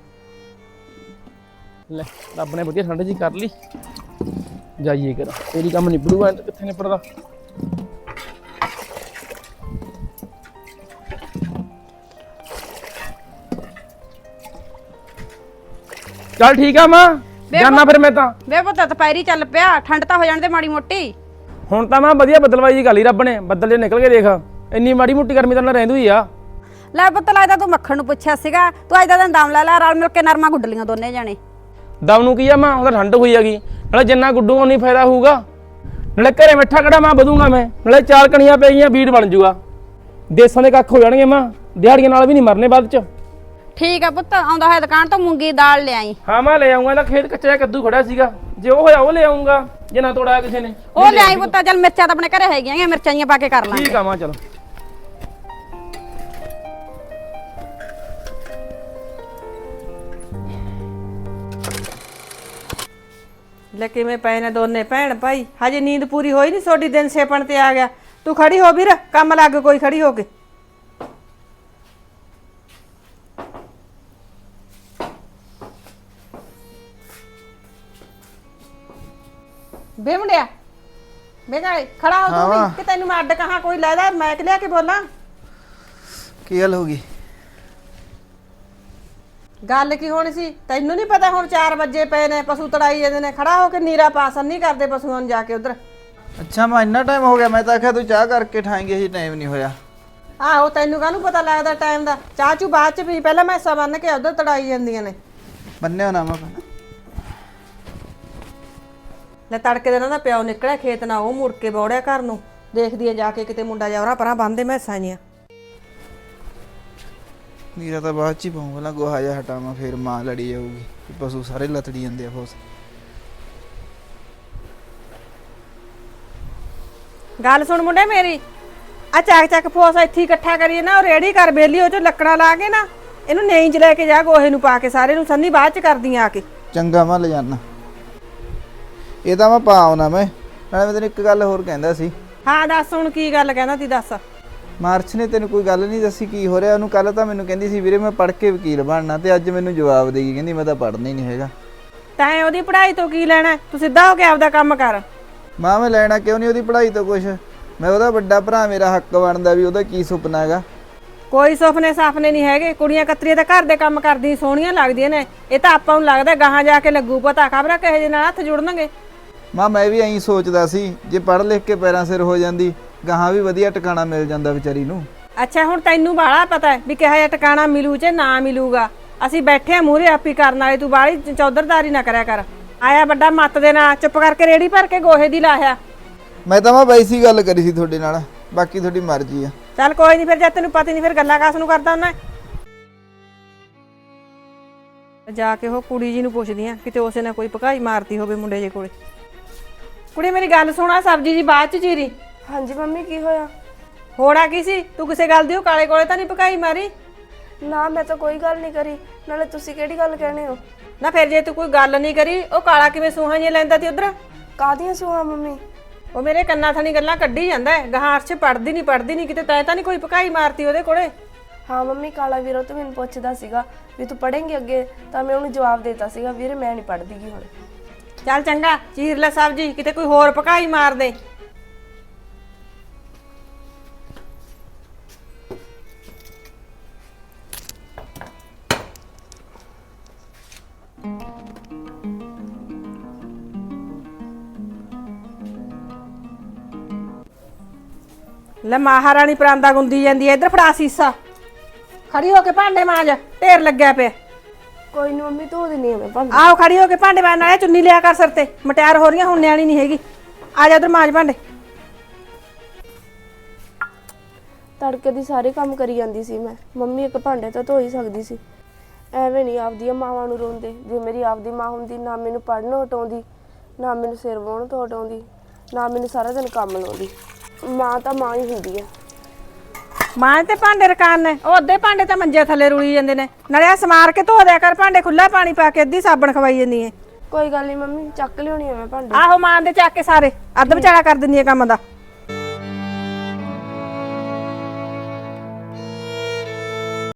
S2: ਲੈ ਰੱਬ ਨੇ ਵਧੀਆ ਠੰਡ ਜੀ ਕਰ ਲਈ, ਜਾਈਏ ਕਰ, ਤੇਰੀ ਕੰਮ ਨਿਬੜੂਗਾ, ਕਿੱਥੇ ਨਿਬੜਦਾ। ਚੱਲ ਠੀਕ ਆ ਮਾਂ, ਜਾਨਾ ਫਿਰ ਮੈਂ ਤਾਂ।
S6: ਵੇ ਪੁੱਤ ਦੁਪਹਿਰੀ ਚੱਲ ਪਿਆ, ਠੰਡ ਤਾਂ ਹੋ ਜਾਣ ਦੇ ਮਾੜੀ ਮੋਟੀ।
S2: ਹੁਣ ਤਾਂ ਮੈਂ ਵਧੀਆ ਬੱਦਲਵਾਈ ਜੀ ਕਰ ਲਈ ਰੱਬ ਨੇ, ਬੱਦਲ ਜੇ ਨਿਕਲ ਕੇ ਦੇਖ, ਇੰਨੀ ਮਾੜੀ ਮੋਟੀ ਗਰਮੀ ਤਾਂ ਨਾ ਰਹਿੰਦੀ ਹੀ ਆ।
S6: ਲੈ ਪੁੱਤ ਲੱਗਦਾ ਤੂੰ ਮੱਖਣ ਨੂੰ ਪੁੱਛਿਆ ਸੀਗਾ, ਤੂੰ ਅੱਜ ਦਾ ਦਿਨ ਦਮ ਲੈ ਲੈ, ਰਲ ਮਿਲ ਕੇ ਨਰਮਾ ਗੁੱਡ ਲੀਆਂ ਦੋਨੇ ਜਾਣੇ।
S2: ਦਮ ਨੂੰ ਕੀ ਆ ਮਾਂ, ਉਹਦਾ ਠੰਡ ਹੋਈ ਹੈਗੀ, ਨਾਲੇ ਜਿੰਨਾ ਗੁੱਡੂਗਾ ਉਨੀ ਫਾਇਦਾ ਹੋਊਗਾ, ਨਾਲੇ ਘਰੇ ਮਿੱਠਾ ਕੜਾ ਮਾਂ ਵਧੂਗਾ ਮੈਂ, ਨਾਲੇ 4 ਕਣੀਆਂ ਪੈ ਗਈਆਂ, ਬੀੜ ਬਣ ਜੂਗਾ, ਦੇਸਾਂ ਦੇ ਕੱਖ ਹੋ ਜਾਣਗੇ ਮਾਂ, ਦਿਹਾੜੀਆਂ ਨਾਲ ਵੀ ਨਹੀਂ ਮਰਨੇ ਬਾਅਦ ਚ।
S6: ਠੀਕ ਆ ਪੁੱਤ, ਆਉਂਦਾ ਹੋਇਆ ਦੁਕਾਨ ਤੋਂ ਮੂੰਗੀ ਦਾਲ ਲਿਆਈ।
S2: ਹਾਂ ਮੈਂ ਲੈ ਆਉਂਗਾ, ਇਹਦਾ ਖੇਤ ਕੱਚਾ ਕੱਦੂ ਖੜਾ ਸੀਗਾ, ਜੇ ਉਹ ਹੋਇਆ ਉਹ ਲੈ ਆਉਂਗਾ, ਜੇ ਨਾ ਤੋੜਾਇਆ ਕਿਸੇ ਨੇ
S6: ਉਹ ਲਿਆਈ ਪੁੱਤ। ਚੱਲ ਮਿਰਚਾਂ ਤਾਂ ਆਪਣੇ ਘਰੇ ਹੈਗੀਆਂ, ਮਿਰਚਾਂ ਜੀਆਂ ਪਾ ਕੇ ਕਰ ਲਾਂਗੇ।
S2: ਠੀਕ ਆ ਮਾਂ, ਚਲੋ।
S1: ਲੈ ਕਿਵੇਂ ਪਏ ਨੇ ਦੋਨੇ ਭੈਣ ਭਾਈ, ਹਜੇ ਨੀਂਦ ਪੂਰੀ ਹੋਈ ਨਹੀਂ ਤੁਹਾਡੀ, ਦਿਨ ਛੇਪਣ ਤੇ ਆ ਗਿਆ। ਤੂੰ ਖੜੀ ਹੋ ਵੀਰ, ਕੰਮ ਲੱਗ ਕੋਈ ਖੜੀ ਹੋ ਕੇ। ਬੇ ਮੁੰਡਿਆ, ਬੇ ਗਾਲੇ ਖੜਾ ਹੋ ਤੂੰ ਵੀ, ਕਿ ਤੈਨੂੰ ਮੈਂ ਅੱਡ ਕਹਾਂ ਕੋਈ ਲੈਦਾ ਮੈਂ ਕਿ ਲਿਆ ਕੇ ਬੋਲਾਂ?
S3: ਕੀ ਗੱਲ ਹੋ ਗਈ?
S1: ਗੱਲ ਕੀ ਹੋਣੀ ਸੀ, ਤੈਨੂੰ ਨਹੀਂ ਪਤਾ ਹੁਣ 4 ਵਜੇ ਪਏ ਨੇ, ਪਸ਼ੂ ਤੜਾਈ ਜਾਂਦੇ ਨੇ, ਖੜਾ ਹੋ ਕੇ ਨੀਰਾ ਪਾਸਨ ਨਹੀਂ ਕਰਦੇ ਪਸ਼ੂਆਂ ਨੂੰ ਜਾ ਕੇ ਉਧਰ।
S3: ਅੱਛਾ ਮੈਂ ਇੰਨਾ ਟਾਈਮ ਹੋ ਗਿਆ, ਮੈਂ ਤਾਂ ਆਖਿਆ ਤੂੰ ਚਾਹ ਕਰਕੇ ਠਾਏਂਗੇ, ਜੀ ਟਾਈਮ ਨਹੀਂ ਹੋਇਆ।
S1: ਆਹੋ ਤੈਨੂੰ ਕਾਹਨੂੰ ਪਤਾ ਲੱਗਦਾ ਟਾਈਮ ਦਾ, ਚਾਹ ਚੂ ਬਾਅਦ ਚ ਪੀ, ਪਹਿਲਾਂ ਮੈਸਾਂ ਬੰਨ ਕੇ ਉਧਰ ਤੜਾਈ ਜਾਂਦੀਆਂ ਨੇ।
S3: ਬੰਨਿਓ ਨਾ ਮੈਂ।
S1: ਲੈ ਤੜਕੇ ਦੇ ਨਾ ਪਿਓ ਨਿਕਲਿਆ ਖੇਤ, ਨਾ ਉਹ ਮੁੜ ਕੇ ਬੌੜਿਆ ਘਰ ਨੂੰ, ਦੇਖਦੀ ਆ ਜਾ ਕੇ ਕਿਤੇ ਮੁੰਡਾ ਜਾਵਰਾ ਪਰਾਂ ਬੰਨਦੇ ਮੈਸਾਂ ਜੀਆਂ।
S3: ਨੀਰਾ ਤਾਂ ਬਾਅਦ ਚ ਹੀ ਪਾਉਂ, ਪਹਿਲਾਂ ਗੋਹਾ ਜਿਹਾ ਹਟਾਵਾਂ, ਫਿਰ ਮਾਂ ਲੜੀ ਜਾਊਗੀ, ਪਸ਼ੂ ਸਾਰੇ ਲਤੜੀ ਜਾਂਦੇ ਆ ਫੋਸ।
S1: ਗੱਲ ਸੁਣ ਮੁੰਡੇ ਮੇਰੀ, ਆ ਚੱਕ ਚੱਕ ਫੋਸ ਇੱਥੇ ਹੀ ਇਕੱਠਾ ਕਰੀਏ ਨਾ, ਉਹ ਰੇੜੀ ਕਰ ਬੇਲੀ ਉਹ ਚ ਲੱਕੜਾਂ ਲਾ ਕੇ ਨਾ ਇਹਨੂੰ ਨੇਈ ਚ ਲੈ ਕੇ ਜਾ, ਗੋਹੇ ਨੂੰ ਪਾ ਕੇ ਸਾਰੇ ਨੂੰ ਸੰਨੀ ਬਾਅਦ ਚ ਕਰਦੀਆਂ ਆ ਕੇ।
S3: ਚੰਗਾ ਮੈਂ ਲੈ ਜਾਣਾ, ਇਹ ਤਾਂ ਮੈਂ ਪਾ ਆਉਣਾ ਮੈਂ। ਨਾਲੇ ਮੈਂ ਤੈਨੂੰ ਇੱਕ ਗੱਲ ਹੋਰ ਕਹਿੰਦਾ ਸੀ।
S1: ਹਾਂ ਦੱਸ ਹੁਣ ਕੀ ਗੱਲ ਕਹਿੰਦਾ ਤੀ, ਦੱਸ।
S3: ਮਾਰਚ ਨੇ ਤੈਨੂੰ ਕੋਈ ਗੱਲ ਨਹੀਂ ਦੱਸੀ ਕੀ ਹੋ ਰਿਹਾ ਉਹਨੂੰ? ਕੱਲ ਤਾਂ ਮੈਨੂੰ ਕਹਿੰਦੀ ਸੀ ਵੀਰੇ ਮੈਂ ਪੜ੍ਹ ਕੇ ਵਕੀਲ ਬਣਨਾ, ਤੇ ਅੱਜ ਮੈਨੂੰ ਜਵਾਬ ਦੇਗੀ ਕਹਿੰਦੀ ਮੈਂ ਤਾਂ ਪੜ੍ਹਨਾ ਹੀ ਨਹੀਂ ਹੈਗਾ।
S1: ਤੈਂ ਉਹਦੀ ਪੜ੍ਹਾਈ ਤੋਂ ਕੀ ਲੈਣਾ, ਤੂੰ ਸਿੱਧਾ ਹੋ ਕੇ ਆਪਦਾ ਕੰਮ ਕਰ।
S3: ਮਾਂ ਮੈਂ ਲੈਣਾ ਕਿਉਂ ਨਹੀਂ ਉਹਦੀ ਪੜ੍ਹਾਈ ਤੋਂ ਕੁਛ? ਮੈਂ ਉਹਦਾ ਵੱਡਾ ਭਰਾ, ਮੇਰਾ ਹੱਕ ਬਣਦਾ ਵੀ ਉਹਦਾ ਕੀ ਸੁਪਨਾ ਹੈਗਾ।
S1: ਕੋਈ ਸੁਪਨੇ ਸਾਫਨੇ ਨਹੀਂ ਹੈਗੇ, ਕੁੜੀਆਂ ਕਤਰੀਆਂ ਤਾਂ ਘਰ ਦੇ ਕੰਮ ਕਰਦੀਆਂ ਸੋਹਣੀਆਂ ਲੱਗਦੀਆਂ ਨੇ, ਇਹ ਤਾਂ ਆਪਾਂ ਨੂੰ ਲੱਗਦਾ ਗਾਹਾਂ ਜਾ ਕੇ ਲੱਗੂ ਪਤਾ, ਖਬਰਾਂ ਕਿਹੋ ਜਿਹੇ ਨਾਲ ਹੱਥ ਜੁੜਨਗੇ।
S3: ਮਾਂ ਮੈਂ ਵੀ ਐਂ ਸੋਚਦਾ ਸੀ ਜੇ ਪੜ੍ਹ ਲਿਖ ਕੇ ਪੈਰਾਂ ਸਿਰ ਹੋ ਜਾਂਦੀ, ਗਾਹਾਂ ਵੀ ਵਧੀਆ ਟਿਕਾਣਾ ਮਿਲ ਜਾਂਦਾ ਵਿਚਾਰੀ ਨੂੰ।
S1: ਅੱਛਾ ਹੁਣ ਤੈਨੂੰ ਬਾਹਲਾ ਪਤਾ ਹੈ ਵੀ ਕਿਹੋ ਜਿਹਾ ਟਿਕਾਣਾ ਮਿਲੂ ਚ ਨਾ ਮਿਲੂਗਾ। ਅਸੀਂ ਬੈਠੇ ਆ ਮੂਹਰੇ ਆਪੀ ਕਰਨ ਵਾਲੇ, ਤੂੰ ਬਾਹਲੀ ਚੌਧਰਦਾਰੀ ਨਾ ਕਰਿਆ ਕਰ। ਆਇਆ ਵੱਡਾ ਮੱਤ ਦੇ ਨਾਲ ਚੁੱਪ ਕਰਕੇ ਰੇੜੀ ਭਰ ਕੇ ਗੋਹੇ ਦੀ ਲਾਹਿਆ।
S3: ਮੈਂ ਤਾਂ ਵੈਸੀ ਗੱਲ ਕਰੀ ਸੀ ਤੁਹਾਡੇ ਨਾਲ, ਬਾਕੀ ਤੁਹਾਡੀ ਮਰਜ਼ੀ ਆ।
S1: ਚੱਲ ਕੋਈ ਨਹੀਂ, ਫਿਰ ਜਦ ਤੈਨੂੰ ਪਤਾ ਨਹੀਂ ਫਿਰ ਗੱਲਾਂ ਕਾਸ ਨੂੰ ਕਰਦਾ ਹੁੰਦਾ। ਜਾ ਕੇ ਉਹ ਕੁੜੀ ਜੀ ਨੂੰ ਪੁੱਛਦੀ ਆ ਕਿਤੇ ਉਸੇ ਨੇ ਕੋਈ ਭਕਾਈ ਮਾਰਤੀ ਹੋਵੇ ਮੁੰਡੇ ਜੇ ਕੋਲੇ। ਕੁੜੀ ਮੇਰੀ ਗੱਲ ਸੁਣਾ, ਸਬਜ਼ੀ ਜੀ ਬਾਅਦ ਚ ਚੀਰੀ।
S4: ਹਾਂਜੀ ਮੰਮੀ ਕੀ ਹੋਇਆ?
S1: ਹੋਣਾ ਕੀ ਸੀ, ਤੂੰ ਕਿਸੇ ਗੱਲ ਦੀ ਉਹ ਕਾਲੇ ਕੋਲੇ ਤਾਂ ਨਹੀਂ ਭਕਾਈ ਮਾਰੀ?
S4: ਨਾ ਮੈਂ ਤਾਂ ਕੋਈ ਗੱਲ ਨਹੀਂ ਕਰੀ, ਨਾਲੇ ਤੁਸੀਂ ਕਿਹੜੀ ਗੱਲ ਕਹਿਣੇ ਹੋ?
S1: ਨਾ ਫਿਰ ਜੇ ਤੂੰ ਕੋਈ ਗੱਲ ਨਹੀਂ ਕਰੀ, ਉਹ ਕਾਲਾ ਕਿਵੇਂ ਸੂਹਾਂ ਜਿਹੀਆਂ ਲੈਂਦਾ ਤੀ ਉਧਰ?
S4: ਕਾਹਦੀਆਂ ਸੁਹਾ ਮੰਮੀ?
S1: ਉਹ ਮੇਰੇ ਕੰਨਾਂ ਥਾਣੀ ਗੱਲਾਂ ਕੱਢੀ ਜਾਂਦਾ ਹੈ, ਗਾਹਾਂ ਅਰਸ਼ ਪੜਦੀ ਨਹੀਂ ਕਿਤੇ ਤੈਂ ਤਾਂ ਨਹੀਂ ਕੋਈ ਭਕਾਈ ਮਾਰਤੀ ਉਹਦੇ ਕੋਲੇ?
S4: ਹਾਂ ਮੰਮੀ, ਕਾਲਾ ਵੀਰੋ ਤਾਂ ਮੈਨੂੰ ਪੁੱਛਦਾ ਸੀਗਾ ਵੀ ਤੂੰ ਪੜ੍ਹੇਂਗੀ ਅੱਗੇ, ਤਾਂ ਮੈਂ ਉਹਨੂੰ ਜਵਾਬ ਦੇਤਾ ਸੀਗਾ ਵੀਰੇ ਮੈਂ ਨਹੀਂ ਪੜ੍ਹਦੀ ਗੀ ਹੁਣ।
S1: ਚੱਲ ਚੰਗਾ ਚੀਰ ਲੈ ਸਬਜ਼ੀ, ਕਿਤੇ ਕੋਈ ਹੋਰ ਭਕਾਈ ਮਾਰ ਦੇ। ਲੈ ਮਹਾਰਾਣੀ ਪਰਾਂਦਾ ਗੁੰਦੀ ਜਾਂਦੀ ਐ, ਇੱਧਰ ਫੜਾ ਸੀਸਾ, ਖੜੀ ਹੋ ਕੇ ਭਾਂਡੇ ਮਾਂਜ, ਢੇਰ ਲੱਗਿਆ ਪਿਆ।
S4: ਕੋਈ ਨਹੀਂ ਮੰਮੀ, ਧੋ ਦਿੰਨੀ ਆ ਮੈਂ ਭਾਂਡੇ।
S1: ਆਓ ਖੜੀ ਹੋ ਕੇ ਭਾਂਡੇ ਮਾਂਜ, ਨਾਲੇ ਚੁੰਨੀ ਲਿਆ ਕਰ ਸਿਰ ਤੇ, ਮਟਿਆਰ ਹੋ ਰਹੀਆਂ ਹੁਣ, ਨਿਆਣੀ ਨਹੀਂ ਹੈਗੀ। ਆ ਜਾ ਉਧਰ ਮਾਂਜ ਭਾਂਡੇ।
S4: ਤੜਕੇ ਦੀ ਸਾਰੇ ਕੰਮ ਕਰੀ ਜਾਂਦੀ ਸੀ ਮੈਂ, ਮੰਮੀ ਇੱਕ ਭਾਂਡੇ ਤਾਂ ਧੋ ਹੀ ਸਕਦੀ ਸੀ। ਐਵੇਂ ਨਹੀਂ ਆਪਦੀਆਂ ਮਾਵਾਂ ਨੂੰ ਰੋਂਦੇ। ਜੇ ਮੇਰੀ ਆਪਦੀ ਮਾਂ ਹੁੰਦੀ, ਨਾ ਮੈਨੂੰ ਪੜ੍ਹਨੋਂ ਹਟਾਉਂਦੀ, ਨਾ ਮੈਨੂੰ ਸਿਰ ਵਾਹੁਣ ਤੋਂ ਹਟਾਉਂਦੀ, ਨਾ ਮੈਨੂੰ ਸਾਰਾ ਦਿਨ ਕੰਮ ਲਾਉਂਦੀ। ਮਾਂ ਤਾਂ ਮਾਂ ਹੀ ਹੁੰਦੀ ਹੈ।
S1: ਮਾਂ ਤੇ ਭਾਂਡੇ ਰਕਾਨ ਨੇ, ਉਹ ਅੱਧੇ ਭਾਂਡੇ ਤਾਂ ਮੰਜੇ ਥੱਲੇ ਰੁਲੀ ਜਾਂਦੇ ਨੇ। ਨਾਲੇ ਆ ਸਮਾਰ ਕੇ ਧੋ ਦਿਆ ਕਰ ਭਾਂਡੇ, ਖੁੱਲਾ ਪਾਣੀ ਪਾ ਕੇ ਅੱਧੀ ਸਾਬਣ ਖਵਾਈ ਜਾਂਦੀ ਐ।
S4: ਕੋਈ ਗੱਲ ਨਹੀਂ ਮੰਮੀ, ਚੱਕ ਲਿਆਉਣੀ ਆ ਮੈਂ ਭਾਂਡੇ।
S1: ਆਹੋ ਮਾਂ ਦੇ ਚੱਕ ਕੇ ਸਾਰੇ, ਅੱਧ ਵਿਚਾਲਾ ਕਰ ਦਿੰਦੀ ਐ ਕੰਮ ਦਾ।